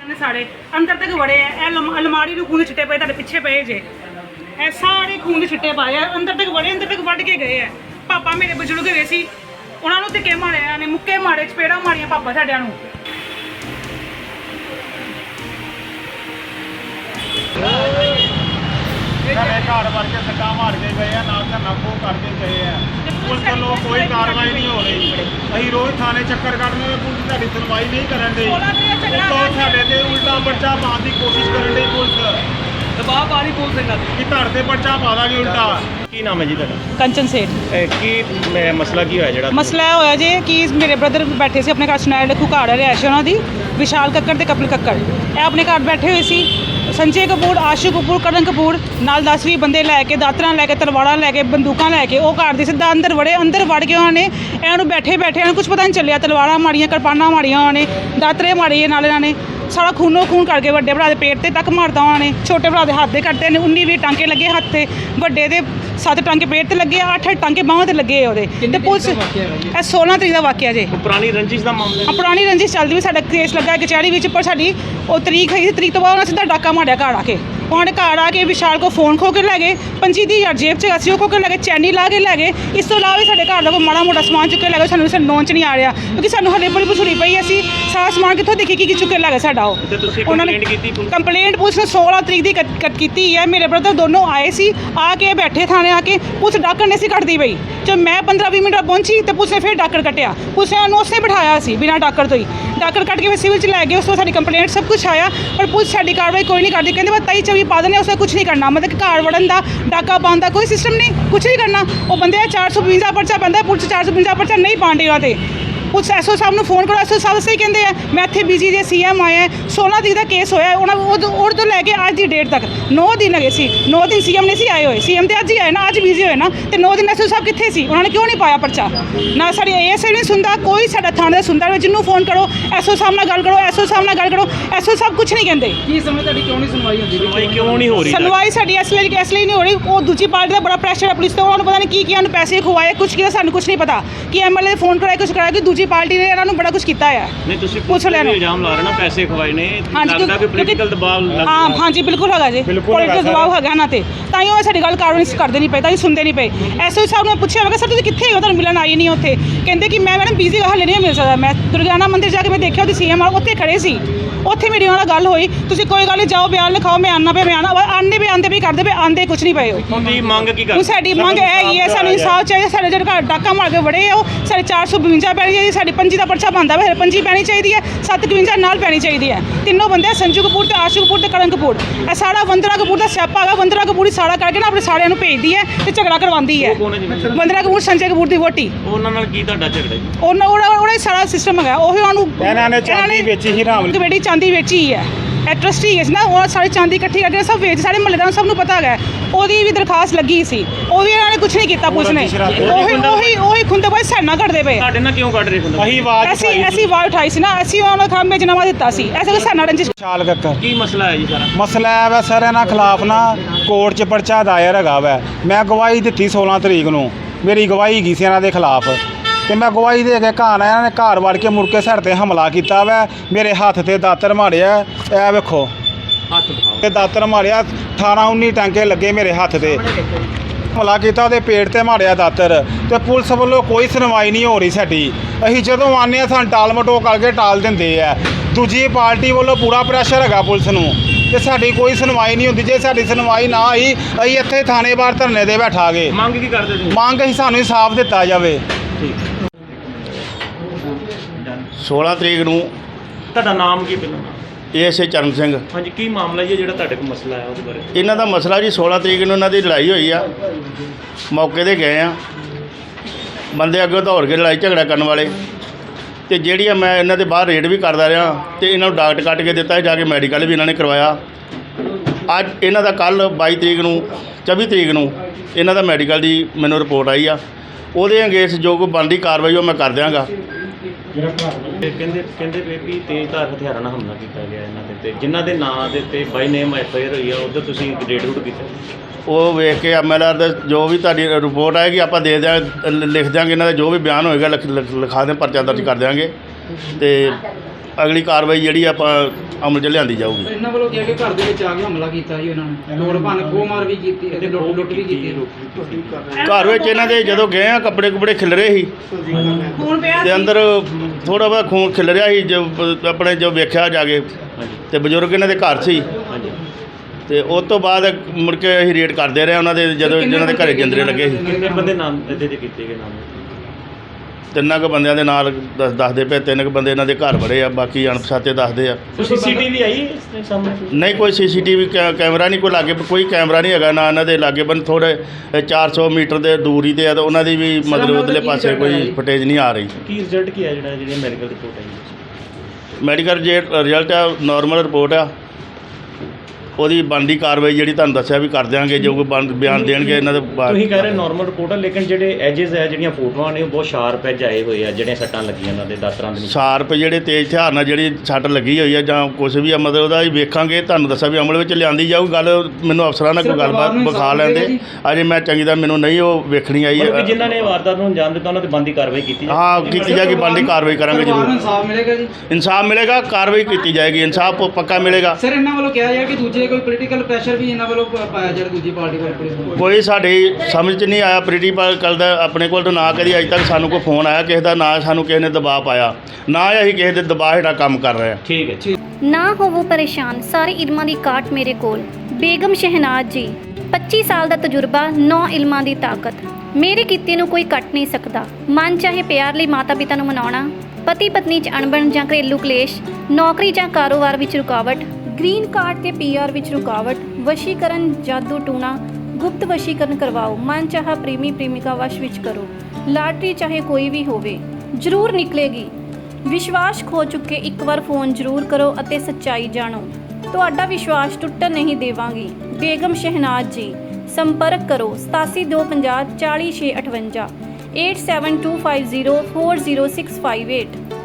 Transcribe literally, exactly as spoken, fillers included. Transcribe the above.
सारे अंदर तक वड़े है, अलमारी ਨੂੰ ਖੂਨ ਛਿੱਟੇ ਪਏ ਤੁਹਾਡੇ ਪਿੱਛੇ ਪਏ ਜੇ, ਇਹ ਸਾਰੇ ਖੂਨ ਦੇ ਛਿੱਟੇ ਪਾਏ ਆ, ਅੰਦਰ ਤੱਕ ਵੜੇ, ਅੰਦਰ ਤੱਕ ਵੱਢ ਕੇ ਗਏ ਆ। ਪਾਪਾ ਮੇਰੇ ਬਜ਼ੁਰਗ ਗਏ ਸੀ, ਉਹਨਾਂ ਨੂੰ ਧੱਕੇ ਮਾਰਿਆ ਨੇ, ਮੁੱਕੇ ਮਾਰੇ, ਚਪੇੜਾਂ ਮਾਰੀਆਂ ਪਾਪਾ ਸਾਡਿਆਂ ਨੂੰ। ਸਾਡੇ ਘਰ ਵੜ ਕੇ ਸੱਟਾਂ ਮਾਰ ਕੇ ਗਏ ਆ, ਨਾਲ ਤਾਂ ਨਾਕੋ ਕਰਕੇ ਗਏ ਆ। ਪੁਲਿਸ ਵੱਲੋਂ ਕੋਈ ਕਾਰਵਾਈ ਨਹੀਂ ਹੋ ਰਹੀ। ਅਸੀਂ ਰੋਜ਼ ਥਾਣੇ ਚੱਕਰ ਕੱਢਦੇ ਹਾਂ, ਪੁਲਿਸ ਸਾਡੀ ਸੁਣਵਾਈ ਨਹੀਂ ਕਰਨ ਡਈ। ਉੱਤੋਂ ਸਾਡੇ ਤੇ ਉਲਟਾ ਪਰਚਾ ਪਾਉਣ ਦੀ ਕੋਸ਼ਿਸ਼ ਕਰਨ ਡਈ ਪੁਲਿਸ। ਦਬਾਅ ਪਾ ਰਹੀ ਪੁਲਿਸ ਨਾਲ ਕਿ ਧੜ ਤੇ ਪਰਚਾ ਪਾ ਦਾਂਗੇ ਉਲਟਾ। ਕੀ ਨਾਮ ਹੈ ਜੀ ਤੁਹਾਡਾ? ਕੰਚਨ ਸੇਠ। ਕੀ ਮਸਲਾ ਕੀ ਹੋਇਆ ਜਿਹੜਾ? ਮਸਲਾ ਇਹ ਹੋਇਆ ਜੇ ਕਿ ਮੇਰੇ ਬ੍ਰਦਰ ਬੈਠੇ ਸੀ ਆਪਣੇ ਘਰ, ਸੁਨਾਇਲ ਲੱਖੂ ਘਰ ਹੈ ਰਿਹਾਇਸ਼ ਉਹਨਾਂ ਦੀ, ਵਿਸ਼ਾਲ ਕੱਕੜ ਤੇ ਕਪਿਲ ਕੱਕੜ। ਇਹ ਆਪਣੇ ਘਰ ਬੈਠੇ ਹੋਏ ਸੀ। ਸੰਜੇ ਕਪੂਰ, ਆਸ਼ੂ ਕਪੂਰ, ਕਰਨ ਕਪੂਰ ਨਾਲ ਦਸ ਵੀਹ ਬੰਦੇ ਲੈ ਕੇ, ਦਾਤਰਾਂ ਲੈ ਕੇ, ਤਲਵਾਰਾਂ ਲੈ ਕੇ, ਬੰਦੂਕਾਂ ਲੈ ਕੇ ਉਹ ਘਰ ਦੇ ਸਿੱਧਾ ਅੰਦਰ ਵੜੇ। ਅੰਦਰ ਵੜ ਕੇ ਉਹਨਾਂ ਨੇ ਇਹਨਾਂ ਨੂੰ ਬੈਠੇ ਬੈਠੇ ਇਹਨਾਂ ਨੂੰ ਕੁਝ ਪਤਾ ਨਹੀਂ ਚੱਲਿਆ, ਤਲਵਾਰਾਂ ਮਾਰੀਆਂ, ਕਿਰਪਾਨਾਂ ਮਾਰੀਆਂ ਉਹਨਾਂ ਨੇ, ਦਾਤਰੇ ਮਾਰੀਏ ਨਾਲ ਇਹਨਾਂ ਨੇ, ਸਾਰਾ ਖੂਨੋ ਖੂਨ ਕਰਕੇ ਵੱਡੇ ਭਰਾ ਦੇ ਪੇਟ ਤੇ ਤੱਕ ਮਾਰਦਾ ਉਹਨਾਂ ਨੇ, ਛੋਟੇ ਭਰਾ ਦੇ ਹੱਥ ਦੇ ਕੱਟਦੇ ਨੇ, ਉੱਨੀ ਵੀਹ ਟਾਂਕੇ ਲੱਗੇ ਹੱਥ ਤੇ, ਵੱਡੇ ਦੇ ਸੱਤ ਟਾਂਕੇ ਪੇਟ ਤੇ ਲੱਗੇ, ਅੱਠ ਟਾਂਕੇ ਬਾਹਾਂ ਤੇ ਲੱਗੇ ਉਹਦੇ। ਤੇ ਪੁਲਿਸ ਇਹ ਸੋਲਾਂ ਤਰੀਕ ਦਾ ਵਾਕਿਆ ਜੇ। ਪੁਰਾਣੀ ਰੰਜਿਸ਼ ਦਾ ਮਾਮਲਾ? ਪੁਰਾਣੀ ਰੰਜਿਸ਼ ਚੱਲਦੀ ਵੀ, ਸਾਡਾ ਕੇਸ ਲੱਗਾ ਕਚਹਿਰੀ ਵਿੱਚ, ਪਰ ਸਾਡੀ ਉਹ ਤਰੀਕ ਹੈ, ਤਰੀਕ ਤੋਂ ਬਾਅਦ ਉਹਨਾਂ ਸਿੱਧਾ ਡਾਕਾ ਮਾਰਿਆ ਘਰ ਆ ਕੇ। ਉਹਨਾਂ ਨੇ ਘਰ ਆ ਕੇ ਵਿਸ਼ਾਲ ਕੋ ਫੋਨ ਖੋ ਕੇ ਲੈ ਗਏ, ਪੰਜੀ ਦੀ ਹਜ਼ਾਰ ਜੇਬ 'ਚ ਅਸੀਂ ਉਹ ਖੋ ਕੇ ਲੈ ਗਏ, ਚੈਨੀ ਲਾ ਕੇ ਲੈ ਗਏ। ਇਸ ਤੋਂ ਇਲਾਵਾ ਵੀ ਸਾਡੇ ਘਰ ਦਾ ਕੋਈ ਮਾੜਾ ਮੋਟਾ ਸਮਾਨ ਚੁੱਕ ਕੇ ਲੈ ਗਏ, ਸਾਨੂੰ ਸਾਨੂੰ ਨੋਨ 'ਚ ਨਹੀਂ ਆ ਰਿਹਾ, ਕਿਉਂਕਿ ਸਾਨੂੰ ਹਲੇ ਬੜੀ ਬਸੂਰੀ ਪਈ। ਅਸੀਂ ਸਾਰਾ ਸਮਾਨ ਕਿੱਥੋਂ ਦੇਖੀ ਕੀ ਕੀ ਚੁੱਕ ਕੇ ਲੈ ਗਏ ਸਾਡਾ ਉਹ। ਉਹਨਾਂ ਨੇ ਕੰਪਲੇਂਟ ਪੁਲਿਸ ਨੇ ਸੋਲਾਂ ਤਰੀਕ ਦੀ ਕੱਟ ਕੀਤੀ ਹੈ। ਮੇਰੇ ਬ੍ਰਦਰ ਦੋਨੋਂ ਆਏ ਸੀ, ਆ ਕੇ ਬੈਠੇ ਥਾਣੇ ਆ ਕੇ, ਪੁਲਿਸ ਡਾਕਰ ਨਹੀਂ ਸੀ ਕੱਟਦੀ ਪਈ। ਜਦ ਮੈਂ ਪੰਦਰਾਂ ਵੀਹ ਮਿੰਟ ਪਹੁੰਚੀ ਤਾਂ ਪੁਲਿਸ ਨੇ ਫਿਰ ਡਾਕਰ ਕੱਟਿਆ। ਪੁਲਿਸ ਨੇ ਉਹਨੂੰ ਉਸੇ ਬਿਠਾਇਆ ਸੀ ਬਿਨਾਂ ਡਾਕਰ ਤੋਂ ਹੀ, ਡਾਕਰ ਕੱਟ ਕੇ ਫਿਰ ਸਿਵਲ 'ਚ ਲੈ ਗਏ। ਉਸ ਤੋਂ ਸਾਡੀ ਕੰਪਲੇਂਟ ਸਭ ਕੁਛ ਆਇਆ, ਪਰ ਪੁਲਿਸ ਸਾਡੀ ਕਾਰਵਾਈ ਕੋਈ ਨਹੀਂ ਕਰਦੀ। ਕਹਿੰਦੇ ਬਸ ਤਈ ਚਵੀ ਪਾ ਦੇਣੇ, ਉਸੇ ਕੁਛ ਨਹੀਂ ਕਰਨਾ, ਮਤਲਬ ਕਿ ਘਰ ਵੜਨ ਦਾ, ਡਾਕਾ ਪਾਉਣ ਦਾ ਕੋਈ ਸਿਸਟਮ ਨਹੀਂ, ਕੁਛ ਨਹੀਂ ਕਰਨਾ। ਉਹ ਬੰਦੇ ਦਾ ਚਾਰ ਸੌ ਬਵੰਜਾ ਪਰਚਾ ਪੈਂਦਾ, ਪੁਲਿਸ ਚਾਰ ਸੌ ਬਵੰਜਾ ਪਰਚਾ ਨਹੀਂ ਪਾਉਂਦੇ ਉਹਨਾਂ 'ਤੇ। ਪੁਲਿਸ ਐਸ ਓ ਸਾਹਿਬ ਨੂੰ ਫੋਨ ਕਰੋ, ਐਸ ਓ ਸਾਹਿਬ ਸਹੀ ਕਹਿੰਦੇ ਆ, ਮੈਂ ਇੱਥੇ ਬਿਜੀ ਜੇ ਸੀ ਐਮ ਆਇਆ, ਸੋਲਾਂ ਤਰੀਕ ਦਾ ਕੇਸ ਹੋਇਆ ਉਹਨਾਂ ਉਹ ਤੋਂ ਲੈ ਕੇ ਅੱਜ ਦੀ ਡੇਟ ਤੱਕ ਨੌ ਦਿਨ ਹੈਗੇ ਸੀ। ਨੌ ਦਿਨ ਸੀ ਐਮ ਨਹੀਂ ਸੀ ਆਏ ਹੋਏ, ਸੀ ਐਮ ਤੇ ਅੱਜ ਹੀ ਆਏ ਨਾ, ਅੱਜ ਬਿਜੀ ਹੋਏ ਨਾ, ਤੇ ਨੌ ਦਿਨ ਐਸ ਓ ਸਾਹਿਬ ਕਿੱਥੇ ਸੀ? ਉਹਨਾਂ ਨੇ ਕਿਉਂ ਨਹੀਂ ਪਾਇਆ ਪਰਚਾ? ਨਾ ਸਾਡੀ ਏ ਐਸ ਆਈ ਨਹੀਂ ਸੁਣਦਾ, ਕੋਈ ਸਾਡਾ ਥਾਣੇ ਦਾ ਸੁਣਦਾ ਨਹੀਂ। ਜਿਹਨੂੰ ਫੋਨ ਕਰੋ, ਐਸ ਓ ਸਾਹਿਬ ਨਾਲ ਗੱਲ ਕਰੋ, ਐਸ ਓ ਸਾਹਿਬ ਨਾਲ ਗੱਲ ਕਰੋ, ਐਸ ਓ ਸਾਹਿਬ ਕੁਛ ਨਹੀਂ ਕਹਿੰਦੇ। ਕੀ ਸਮਝ ਤੁਹਾਡੀ ਕਿਉਂ ਨਹੀਂ ਸੁਣਵਾਈ ਹੁੰਦੀ? ਸੁਣਵਾਈ ਕਿਉਂ ਨਹੀਂ ਹੋ ਰਹੀ? ਸੁਣਵਾਈ ਸਾਡੀ ਇਸ ਲਈ ਇਸ ਲਈ ਨਹੀਂ ਹੋ ਰਹੀ, ਉਹ ਦੂਜੀ ਪਾਰਟੀ ਦਾ ਬੜਾ ਪ੍ਰੈਸ਼ਰ ਹੈ ਪੁਲਿਸ ਤੋਂ। ਉਹਨਾਂ ਨੂੰ ਪਤਾ ਨਹੀਂ ਕੀ ਕੀ, ਉਹਨੂੰ ਪੈਸੇ ਖਵਾਏ, ਕੁਛ ਕੀਤਾ, ਸਾਨੂੰ ਕੁਛ ਨਹੀਂ ਪਤਾ ਕਿ ਐਮ ਐਲ ਏ ਫੋਨ ਕਰਾਇਆ, ਕੁਛ ਕਰਾਇਆ, ਕਿ ਦੂਜੀ ਪਾਰਟੀ ਨੇ ਇਹਨਾਂ ਨੂੰ ਬੜਾ ਕੁਝ ਕੀਤਾ ਹੈ। ਨਹੀਂ ਤੁਸੀਂ ਪੁੱਛ ਲੈਣ ਇਲਜ਼ਾਮ ਲਾ ਰਹੇ ਨਾ ਪੈਸੇ ਖਵਾਏ ਨੇ, ਲੱਗਦਾ ਕਿ ਪੋਲੀਟੀਕਲ ਦਬਾਅ ਲੱਗ ਹਾਂ ਹਾਂਜੀ ਬਿਲਕੁਲ ਹੈਗਾ ਜੀ, ਪੋਲੀਟੀਕਲ ਦਬਾਅ ਹੈਗਾ ਨਾ, ਤੇ ਤਾਂ ਹੀ ਉਹ ਸਾਡੀ ਗੱਲ ਕਾਰਵਾਈ ਕਰਦੇ ਨਹੀਂ ਪਏ, ਤਾਂ ਹੀ ਸੁਣਦੇ ਨਹੀਂ ਪਏ। ਐਸ ਓ ਸਾਹਿਬ ਨੇ ਪੁੱਛਿਆ, ਮੈਂ ਕਿਹਾ ਸਰ ਤੁਸੀਂ ਕਿੱਥੇ ਹੋ, ਤੁਹਾਨੂੰ ਮਿਲਣ ਆਈ ਨਹੀਂ ਉੱਥੇ? ਕਹਿੰਦੇ ਕਿ ਮੈਂ ਮੈਡਮ ਬਿਜ਼ੀ ਹਲੇ ਨਹੀਂ ਮਿਲ ਸਕਦਾ। ਮੈਂ ਦੁਰਗਿਆਨਾ ਮੰਦਿਰ ਜਾ ਕੇ ਮੈਂ ਦੇਖਿਆ, ਉਹਦੀ ਸੀ ਐਮ ਉੱਥੇ ਖੜੇ ਸੀ, ਉੱਥੇ ਮੇਰੀ ਉਹਨਾਂ ਨਾਲ ਗੱਲ ਹੋਈ, ਤੁਸੀਂ ਕੋਈ ਗੱਲ ਨਹੀਂ ਜਾਓ ਬਿਆਨ ਲਿਖਾਓ, ਮੈਂ ਆਉਣਾ ਪਿਆ, ਮੈਂ ਆਉਣਾ ਆਉਂਦੇ ਵੀ ਆਉਂਦੇ ਵੀ ਕਰਦੇ ਪਏ, ਆਉਂਦੇ ਕੁਛ ਨਹੀਂ ਪਏ। ਉਹਦੀ ਮੰਗ ਕੀ ਕਰ? ਸਾਡੀ ਮੰਗ ਇਹ ਹੀ ਹੈ, ਸਾਨੂੰ ਇਨਸਾਫ ਚਾਹੀਦਾ। ਸਾਡੇ ਜਿਹੜੇ ਘਰ ਡਾਕਾ ਮਾਰ ਕੇ ਵੜੇ ਆ, ਉਹ ਸਾਡੇ ਚਾਰ ਸੌ ਬਵੰਜਾ ਪੈਣੀ ਚਾਹੀਦੀ, ਸਾਡੀ ਪੰਜੀ ਦਾ ਪਰਚਾ ਬਣਦਾ ਵਾ, ਪੰਜੀ ਪੈਣੀ ਚਾਹੀਦੀ ਹੈ, ਸੱਤ ਇਕਵੰਜਾ ਨਾਲ ਪੈਣੀ ਚਾਹੀਦੀ ਹੈ। ਤਿੰਨੋਂ ਬੰਦੇ ਸੰਜੂ ਕਪੂਰ ਤੇ ਆਸ਼ੂ ਕਪੂਰ ਤੇ ਕਰਨ ਕਪੂਰ, ਇਹ ਸਾਰਾ ਵੰਦਨਾ ਕਪੂਰ ਦਾ ਸਿਆਪਾ ਹੈਗਾ। ਵੰਦਨਾ ਕਪੂਰ ਹੀ ਸਾਰਾ ਕਰਕੇ ਨਾ ਆਪਣੇ ਸਾਰਿਆਂ ਨੂੰ ਭੇਜਦੀ ਹੈ ਤੇ ਝਗੜਾ ਕਰਵਾਉਂਦੀ ਹੈ। ਵੰਦਨਾ ਕਪੂਰ ਸੰਜੇ ਕਪੂਰ ਦੀ ਵੋਟੀ, ਉਹਨਾਂ ਨਾਲ ਕੀ ਤੁਹਾਡਾ ਝਗੜਾ? ਉਹਨਾਂ ਉਹਦਾ ਸਾਰਾ ਸਿਸਟਮ ਹੈਗਾ, ਉਹੀ ਉਹਨੂੰ ਇਹਨਾਂ ਨੇ ਚਾਂਦੀ ਵੇਚੀ ਹੀ, ਰਾਮ ਬੇਟੀ ਚਾਂਦੀ ਵੇਚੀ ਹੈ, ਇਹ ਟਰਸਟੀ ਹੈ ਨਾ, ਉਹ ਸਾਰੀ ਚਾਂਦੀ ਇਕੱਠੀ ਕਰਕੇ ਸਭ ਵੇਚ, ਸਾਰੇ ਮਹੱਲੇ ਦਾ ਸਭ ਨੂੰ ਪਤਾ ਹੈਗਾ। ਉਹਦੀ ਵੀ ਦਰਖਾਸਤ ਲੱਗੀ ਸੀ, ਉਹ ਵੀ ਇਹਨਾਂ ਨੇ ਕੁਛ ਨਹੀਂ ਕੀਤਾ ਪੁਲਿਸ ਨੇ। ਉਹੀ ਉਹੀ ਉਹੀ ਖੁੰਦੇ ਬਾਈ ਸਾਡੇ ਨਾਲ ਕੱਢਦੇ ਪਏ। ਸਾਡੇ ਨਾਲ ਕਿਉਂ ਕੱਢ ਰਹੇ ਖੁੰਦੇ? ਅਸੀਂ ਆਵਾਜ਼ ਅਸੀਂ ਅਸੀਂ ਆਵਾਜ਼ ਉਠਾਈ ਸੀ ਨਾ, ਅਸੀਂ ਉਹਨਾਂ ਨੂੰ ਖਾਮ ਵੇਚਨਾਮਾ ਦਿੱਤਾ ਸੀ, ਐਸੇ ਕੋਈ ਸਾਡੇ ਨਾਲ ਰੰਜਿਸ਼। ਵਿਸ਼ਾਲ ਕੱਕੜ। ਕੀ ਮਸਲਾ ਹੈ ਜੀ ਸਾਰਾ? ਮਸਲਾ ਹੈ ਵਾ ਸਰ, ਇਹਨਾਂ ਖਿਲਾਫ ਨਾ ਕੋਰਟ 'ਚ ਪਰਚਾ ਦਾਇਰ ਹੈਗਾ ਵੈ। ਮੈਂ ਗਵਾਹੀ ਦਿੱਤੀ ਸੋਲਾਂ ਤਰੀਕ ਨੂੰ, ਮੇਰੀ ਗਵਾਹੀ ਹੈਗੀ ਸੀ ਇਹਨਾਂ ਦੇ ਖਿਲਾਫ, ਤੇ ਮੈਂ ਗਵਾਹੀ ਦੇ ਕੇ ਘਰ ਆਇਆ। ਇਹਨਾਂ ਨੇ ਘਰ ਵੜ ਕੇ ਮੁੜ ਕੇ ਸਾਡੇ 'ਤੇ ਹਮਲਾ ਕੀਤਾ ਵੈ, ਮੇਰੇ ਹੱਥ 'ਤੇ ਦਾਤਰ ਮਾਰਿਆ, ਇਹ ਵੇਖੋ ਹੱਥ ਤੇ ਦਾਤਰ ਮਾਰਿਆ, ਅਠਾਰਾਂ ਉੱਨੀ ਟਾਂਕੇ ਲੱਗੇ ਮੇਰੇ ਹੱਥ 'ਤੇ, ਹਮਲਾ ਕੀਤਾ, ਉਹਦੇ ਪੇਟ 'ਤੇ ਮਾਰਿਆ ਦਾਤਰ। ਤੇ ਪੁਲਿਸ ਵੱਲੋਂ ਕੋਈ ਸੁਣਵਾਈ ਨਹੀਂ ਹੋ ਰਹੀ ਸਾਡੀ। ਅਸੀਂ ਜਦੋਂ ਆਉਂਦੇ ਹਾਂ ਸਾਨੂੰ ਟਾਲ ਮਟੋ ਕਰਕੇ ਟਾਲ ਦਿੰਦੇ ਆ। ਦੂਜੀ ਪਾਰਟੀ ਵੱਲੋਂ ਪੂਰਾ ਪ੍ਰੈਸ਼ਰ ਹੈਗਾ ਪੁਲਿਸ ਨੂੰ, ਤੇ ਸਾਡੀ ਕੋਈ ਸੁਣਵਾਈ ਨਹੀਂ ਹੁੰਦੀ। ਜੇ ਸਾਡੀ ਸੁਣਵਾਈ ਨਾ ਹੋਈ, ਅਸੀਂ ਇੱਥੇ ਥਾਣੇ ਬਾਹਰ ਧਰਨੇ 'ਤੇ ਬੈਠਾਂਗੇ। ਮੰਗ ਕੀ ਕਰਦੇ ਤੁਸੀਂ? ਮੰਗ ਅਸੀਂ ਸਾਨੂੰ ਇਨਸਾਫ ਦਿੱਤਾ ਜਾਵੇ। ਸੋਲਾਂ ਤਰੀਕ ਨੂੰ ਤੁਹਾਡਾ ਨਾਮ ਕੀ ਪਹਿਲਾਂ? ਏ ਐਸ ਏ ਚਰਨ ਸਿੰਘ। ਹਾਂਜੀ, ਕੀ ਮਾਮਲਾ ਜੀ ਜਿਹੜਾ ਤੁਹਾਡੇ ਕੋਲ ਮਸਲਾ ਹੈ ਉਹਦੇ ਬਾਰੇ? ਇਹਨਾਂ ਦਾ ਮਸਲਾ ਜੀ ਸੋਲਾਂ ਤਰੀਕ ਨੂੰ ਇਹਨਾਂ ਦੀ ਲੜਾਈ ਹੋਈ ਆ, ਮੌਕੇ 'ਤੇ ਗਏ ਆ, ਬੰਦੇ ਅੱਗੇ ਦੌੜ ਕੇ ਲੜਾਈ ਝਗੜਾ ਕਰਨ ਵਾਲੇ, ਤੇ ਜਿਹੜੀ ਆ ਮੈਂ ਇਹਨਾਂ ਦੇ ਬਾਹਰ ਰੇਡ ਵੀ ਕਰਦਾ ਰਿਹਾ, ਤੇ ਇਹਨਾਂ ਨੂੰ ਡਾਕਟਰ ਕੱਟ ਕੇ ਦਿੱਤਾ, ਜਾ ਕੇ ਮੈਡੀਕਲ ਵੀ ਇਹਨਾਂ ਨੇ ਕਰਵਾਇਆ। ਅੱਜ ਇਹਨਾਂ ਦਾ ਕੱਲ੍ਹ ਬਾਈ ਤਰੀਕ ਨੂੰ ਚੌਵੀ ਤਰੀਕ ਨੂੰ ਇਹਨਾਂ ਦਾ ਮੈਡੀਕਲ ਦੀ ਮੈਨੂੰ ਰਿਪੋਰਟ ਆਈ ਆ, ਉਹਦੇ ਅਗੇਂਸਟ ਜੋ ਕੋਈ ਬਣਦੀ ਕਾਰਵਾਈ ਉਹ ਮੈਂ ਕਰ ਦਿਆਂਗਾ। ਕਹਿੰਦੇ ਕਹਿੰਦੇ ਵੀ ਤੇਜ਼ਧਾਰ ਹਥਿਆਰਾਂ ਨਾਲ ਹਮਲਾ ਕੀਤਾ ਗਿਆ ਇਹਨਾਂ ਦੇ ਤੇ, ਜਿਨ੍ਹਾਂ ਦੇ ਨਾਂ ਦੇ ਤੇ ਬਾਈ ਨੇਮ ਐਫ ਆਈ ਆਰ ਹੋਈ ਆ, ਉਧਰ ਤੁਸੀਂ ਰੇਡ ਰੂਟ ਕੀਤਾ? ਉਹ ਵੇਖ ਕੇ ਐਮ ਐਲ ਆਰ ਦਾ ਜੋ ਵੀ ਤੁਹਾਡੀ ਰਿਪੋਰਟ ਆਏਗੀ ਆਪਾਂ ਦੇ ਦਿਆਂ, ਲਿਖ ਦਿਆਂਗੇ। ਇਹਨਾਂ ਦਾ ਜੋ ਵੀ ਬਿਆਨ ਹੋਏਗਾ ਲਿਖਾ ਦੇ, ਪਰਚਾ ਦਰਜ ਕਰ ਦਿਆਂਗੇ। ਤੇ ਅਗਲੀ ਕਾਰਵਾਈ ਜਿਹੜੀ ਆਪਾਂ ਅਮਲ 'ਚ ਲਿਆਂਦੀ ਜਾਊਗੀ। ਇਹਨਾਂ ਵੱਲੋਂ ਕਿਹਾ ਕਿ ਘਰ ਦੇ ਵਿੱਚ ਆ ਕੇ ਹਮਲਾ ਕੀਤਾ ਜੀ ਉਹਨਾਂ ਨੇ, ਤੋੜ ਭੰਨ ਖੋਹ ਮਾਰ ਵੀ ਕੀਤੀ ਤੇ ਲੁੱਟ ਲੁੱਟ ਵੀ ਕੀਤੀ। ਘਰ ਵਿੱਚ ਇਹਨਾਂ ਦੇ ਜਦੋਂ ਗਏ ਆ ਕੱਪੜੇ ਕੁਪੜੇ ਖਿਲ ਰਹੇ ਸੀ ਖੂਨ ਪਿਆ ਤੇ ਅੰਦਰ ਥੋੜਾ ਬਹੁਤ ਖੂਨ ਖਿਲ ਰਿਹਾ ਸੀ। ਜੋ ਆਪਣੇ ਜੋ ਵੇਖਿਆ ਜਾ ਕੇ ਤੇ ਬਜ਼ੁਰਗ ਇਹਨਾਂ ਦੇ ਘਰ ਸੀ ਤੇ ਉਸ ਤੋਂ ਬਾਅਦ ਮੁੜ ਕੇ ਅਸੀਂ ਰੇਡ ਕਰਦੇ ਰਹੇ ਉਹਨਾਂ ਦੇ ਜਦੋਂ ਜਿਹਨਾਂ ਦੇ ਘਰੇ ਜਿੰਦਰੇ ਲੱਗੇ ਸੀ। ਕਿੰਨੇ ਬੰਦੇ ਨਾਮ ਇਹਦੇ ਤੇ ਕੀਤੇ ਗਏ ਨਾਮ? ਤਿੰਨਾਂ ਕੁ ਬੰਦਿਆਂ ਦੇ ਨਾਲ ਦੱਸ ਦੱਸਦੇ ਪਏ, ਤਿੰਨ ਕੁ ਬੰਦੇ ਇਹਨਾਂ ਦੇ ਘਰ ਵੜੇ ਆ, ਬਾਕੀ ਅਣਪਛਾਤੇ ਦੱਸਦੇ ਆ। ਸੀਸੀਟੀਵੀ ਆਈ ਇਸ ਦੇ ਸਾਹਮਣੇ? ਨਹੀਂ ਕੋਈ ਸੀਸੀਟੀਵੀ ਕੈਮਰਾ ਨਹੀਂ ਕੋਈ ਲਾਗੇ, ਕੋਈ ਕੈਮਰਾ ਨਹੀਂ ਹੈਗਾ ਨਾ ਇਹਨਾਂ ਦੇ ਲਾਗੇ ਬੰਨ ਥੋੜ੍ਹੇ ਚਾਰ ਸੌ ਮੀਟਰ ਦੇ ਦੂਰੀ ਤੇ ਆ ਤੇ ਉਹਨਾਂ ਦੀ ਵੀ ਮਤਲਬ ਉਧਰਲੇ ਪਾਸੇ ਕੋਈ ਫੁਟੇਜ ਨਹੀਂ ਆ ਰਹੀ। ਕੀ ਰਿਜ਼ਲਟ ਕੀ ਹੈ ਜਿਹੜਾ ਜਿਹੜੀ ਮੈਡੀਕਲ ਰਿਪੋਰਟ ਆਈ? ਮੈਡੀਕਲ ਜੇ ਰਿਜ਼ਲਟ ਆ ਨਾਰਮਲ ਰਿਪੋਰਟ ਆ, ਉਹਦੀ ਬਣਦੀ ਕਾਰਵਾਈ ਜਿਹੜੀ ਤੁਹਾਨੂੰ ਦੱਸਿਆ ਵੀ ਕਰ ਦਿਆਂਗੇ ਜੋ ਕੋਈ ਬਣ ਬਿਆਨ ਦੇਣਗੇ ਇਹਨਾਂ ਦੇ ਬਾਅਦ। ਤੁਸੀਂ ਕਹਿ ਰਹੇ ਨਾਰਮਲ ਰਿਪੋਰਟ ਹੈ ਲੇਕਿਨ ਜਿਹੜੇ ਐਜਸ ਹੈ ਜਿਹੜੀਆਂ ਫੋਟੋਆਂ ਨੇ ਉਹ ਬਹੁਤ ਸ਼ਾਰਪ ਐਜ ਆਏ ਹੋਏ ਆ, ਜਿਹੜੀਆਂ ਸੱਟਾਂ ਲੱਗੀਆਂ ਉਹਨਾਂ ਦੇ ਦਾਤਰਾਂ ਦੇ ਨਿਸ਼ਾਨ। ਸ਼ਾਰਪ ਜਿਹੜੇ ਤੇਜ਼ ਹਥਿਆਰ ਨਾਲ ਜਿਹੜੀ ਸੱਟ ਲੱਗੀ ਹੋਈ ਆ ਜਾਂ ਕੁਝ ਵੀ ਆ ਮਤਲਬ ਉਹਦਾ ਹੀ ਵੇਖਾਂਗੇ, ਤੁਹਾਨੂੰ ਦੱਸਿਆ ਵੀ ਅਮਲ ਵਿੱਚ ਲਿਆਂਦੀ ਜਾਊ। ਗੱਲ ਮੈਨੂੰ ਅਫਸਰਾਂ ਨਾਲ ਕੋਈ ਗੱਲਬਾਤ ਵਿਖਾ ਲੈਂਦੇ, ਅਜੇ ਮੈਂ ਚੰਗੀ ਤਰ੍ਹਾਂ ਮੈਨੂੰ ਨਹੀਂ ਉਹ ਵੇਖਣੀ ਆਈ ਮਤਲਬ ਕਿ ਹੈ। ਜਿਨ੍ਹਾਂ ਨੇ ਵਾਰਦਾਤ ਨੂੰ ਅੰਜਾਮ ਦਿੱਤਾ ਉਹਨਾਂ ਤੇ ਬਣਦੀ ਕਾਰਵਾਈ ਕੀਤੀ ਜਾਵੇ। ਹਾਂ ਕੀਤੀ ਜਾਏਗੀ, ਬਣਦੀ ਕਾਰਵਾਈ ਕਰਾਂਗੇ ਜ਼ਰੂਰ। ਇਨਸਾਫ ਮਿਲੇਗਾ ਜੀ? ਇਨਸਾਫ ਮਿਲੇਗਾ, ਕਾਰਵਾਈ ਕੀਤੀ ਜਾਏਗੀ, ਇਨਸਾਫ ਪੱਕਾ ਮਿਲੇਗਾ। ਸਰ ਇਹਨਾਂ ਵੱਲੋਂ ਕਿਹਾ ਜਾ ਕਿ ਦੂਜੇ ਕੋਈ ਪੋਲੀਟੀਕਲ ਪ੍ਰੈਸ਼ਰ ਵੀ ਇਹਨਾਂ ਵੱਲੋਂ ਪ- ਪਾਇਆ ਜਾ ਰਿਹਾ ਦੂਜੀ ਪਾਰਟੀ ਵੱਲੋਂ ਪੁਲਿਸ ਵੱਲੋਂ? ਕੋਈ ਸਾਡੀ ਸਮਝ 'ਚ ਨਹੀਂ ਆਇਆ ਪ੍ਰੀਟੀਕਲ ਦਾ ਆਪਣੇ ਕੋਲ ਤਾਂ ਨਾ ਕਦੀ ਅਜੇ ਤੱਕ ਸਾਨੂੰ ਕੋਈ ਫੋਨ ਆਇਆ ਕਿਸੇ ਦਾ, ਨਾ ਸਾਨੂੰ ਕਿਸੇ ਨੇ ਦਬਾਅ ਪਾਇਆ, ਨਾ ਅਸੀਂ ਕਿਸੇ ਦੇ ਦਬਾਅ ਹੇਠਾਂ ਕੰਮ ਕਰ ਰਹੇ ਹਾਂ। ਠੀਕ ਹੈ। ਨਾ ਹੋਵੋ ਪਰੇਸ਼ਾਨ, ਸਾਰੇ ਇਲਮਾਂ ਦੀ ਕਾਟ ਮੇਰੇ ਕੋਲ। ਬੇਗਮ ਸ਼ਹਿਨਾਜ਼ ਜੀ, ਪੱਚੀ ਸਾਲ ਦਾ ਤਜਰਬਾ, ਨੌ ਇਲਮਾਂ ਦੀ ਤਾਕਤ। ਮੇਰੇ ਕੀਤੇ ਨੂੰ ਕੋਈ ਕੱਟ ਨਹੀਂ ਸਕਦਾ। ਮਨ ਚਾਹੇ ਪਿਆਰ ਲਈ ਮਾਤਾ ਪਿਤਾ ਨੂੰ ਮਨਾਉਣਾ, ਪਤੀ ਪਤਨੀ 'ਚ ਅਣਬਣ ਜਾਂ ਘਰੇਲੂ ਕਲੇਸ਼, ਨੌਕਰੀ ਜਾਂ ਕਾਰੋਬਾਰ ਵਿੱਚ ਰੁਕਾਵਟ, ਗ੍ਰੀਨ ਕਾਰਡ ਤੇ ਪੀਆਰ ਵਿੱਚ ਰੁਕਾਵਟ, ਵਸ਼ੀਕਰਨ, ਜਾਦੂ ਟੂਣਾ, ਗੁਪਤ ਵਸ਼ੀਕਰਨ ਕਰਵਾਓ, ਮਨ ਚਾਹਾ ਪ੍ਰੇਮੀ ਪ੍ਰੇਮਿਕਾ ਵਸ਼ ਵਿੱਚ ਕਰੋ। ਲਾਟਰੀ ਚਾਹੇ ਕੋਈ ਵੀ ਹੋਵੇ ਜ਼ਰੂਰ ਨਿਕਲੇਗੀ। ਵਿਸ਼ਵਾਸ ਖੋ ਚੁੱਕੇ ਇੱਕ ਵਾਰ ਫੋਨ ਜ਼ਰੂਰ ਕਰੋ ਅਤੇ ਸੱਚਾਈ ਜਾਣੋ। ਤੁਹਾਡਾ ਵਿਸ਼ਵਾਸ ਟੁੱਟਣ ਨਹੀਂ ਦੇਵਾਂਗੀ। ਬੇਗਮ ਸ਼ਹਿਨਾਜ਼ ਜੀ, ਸੰਪਰਕ ਕਰੋ ਸਤਾਸੀ ਦੋ ਪੰਜਾਹ ਚਾਲੀ ਛੇ ਅਠਵੰਜਾ, eight seven two five zero four zero six five eight.